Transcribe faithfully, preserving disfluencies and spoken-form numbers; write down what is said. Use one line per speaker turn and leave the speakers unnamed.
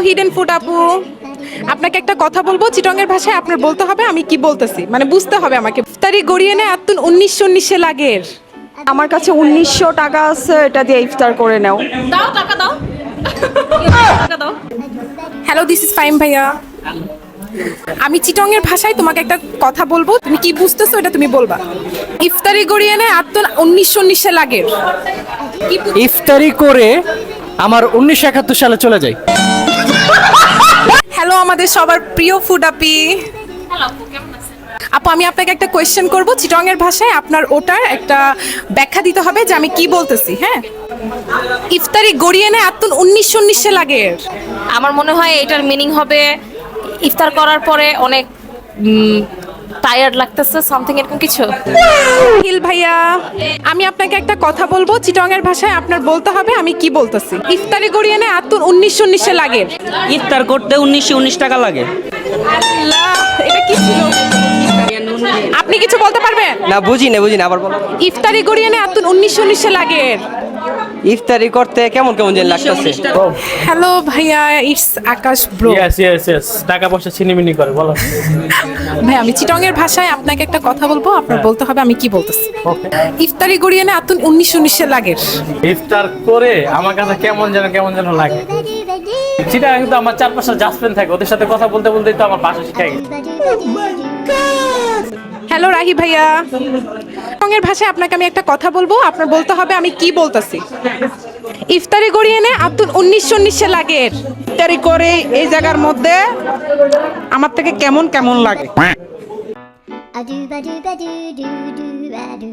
Hidden food আপু, আপনাকে একটা কথা বলবো চিটংয়ের ভাষায়, আপনার বলতে হবে আমি কি বলতেছি, মানে বুঝতে হবে আমাকে। ইফতারি গড়িয়ে নে আতুন উনিশশো উনিশে লাগের।
আমার কাছে উনিশশো টাকা আছে, এটা দিয়ে ইফতার করে নাও।
দাও টাকা দাও টাকা দাও।
হ্যালো, দিস ইজ ফাইম ভাইয়া। আমি চিটংয়ের ভাষায় তোমাকে একটা কথা বলবো, তুমি কি বুঝতেছো এটা তুমি বলবা। ইফতারি গড়িয়ে নে আতুন উনিশশো উনিশে লাগের। কি বু-
ইফতারি করে আমার উনিশশো একাত্তর সালে চলে যাই।
হ্যালো আমাদের সবার প্রিয় ফুড আপি।
হ্যালো আপু, কেমন আছেন?
আপু আমি আপনাকে একটা কোয়েশ্চেন করব চিটংয়ের ভাষায়, আপনার ওটার একটা ব্যাখ্যা দিতে হবে যে আমি কি বলতেছি। হ্যাঁ, ইফতারি গড়িয়ে নে আতুন উনিশশো উনিশে লাগের।
আমার মনে হয় এটার মিনিং হবে ইফতার করার পরে অনেক টায়ার্ড লাগতেছে, সামথিং এরকম কিছু।
হিল ভাইয়া, আমি আপনাকে একটা কথা বলবো চিটংয়ের ভাষায়, আপনার বলতে হবে আমি কি বলতেছি। ইফতারি গড়িয়ে নে আতুন উনিশশো উনিশে লাগের।
ইফতার করতে উনিশশো উনিশ টাকা লাগে।
আল্লাহ, এটা কি ছিল? আপনি কিছু বলতে পারবেন?
না বুঝি না বুঝি না আবার বলো।
ইফতারি গড়িয়ে নে আতুন উনিশশো উনিশে লাগের।
ইফতারি করতে কেমন কেমন যেন লাগতেছে।
হ্যালো ভাইয়া, it's Akash bro.
Yes yes yes, টাকা পয়সা ছিনিমিনি করে বলো।
ভাই আমি চিটংয়ের ভাষায় আপনাকে একটা কথা বলবো, আপনার বলতে হবে আমি কি বলতেছি।
ওকে।
ইফতারি গড়িয়ে নে আতুন উনিশশো উনিশে লাগের।
ইফতার করে আমার কাছে কেমন যেন কেমন যেন লাগে। সেটা কিন্তু আমার চার পাঁচটা জাসপেন থাকে, ওদের সাথে কথা বলতে বলতেই তো আমার ভাষা শিখে গেছে।
হ্যালো রাহি ভাইয়া, চিটংয়ের ভাষায় আপনাকে আমি একটা কথা বলবো, আপনার বলতে হবে আমি কি বলতেছি। ইফতারি গড়িয়ে নে আতুন উনিশশো উনিশে লাগের।
ইফতারি করে এই জায়গার মধ্যে আমার থেকে কেমন কেমন লাগে।
A do ba do ba do do do ba do.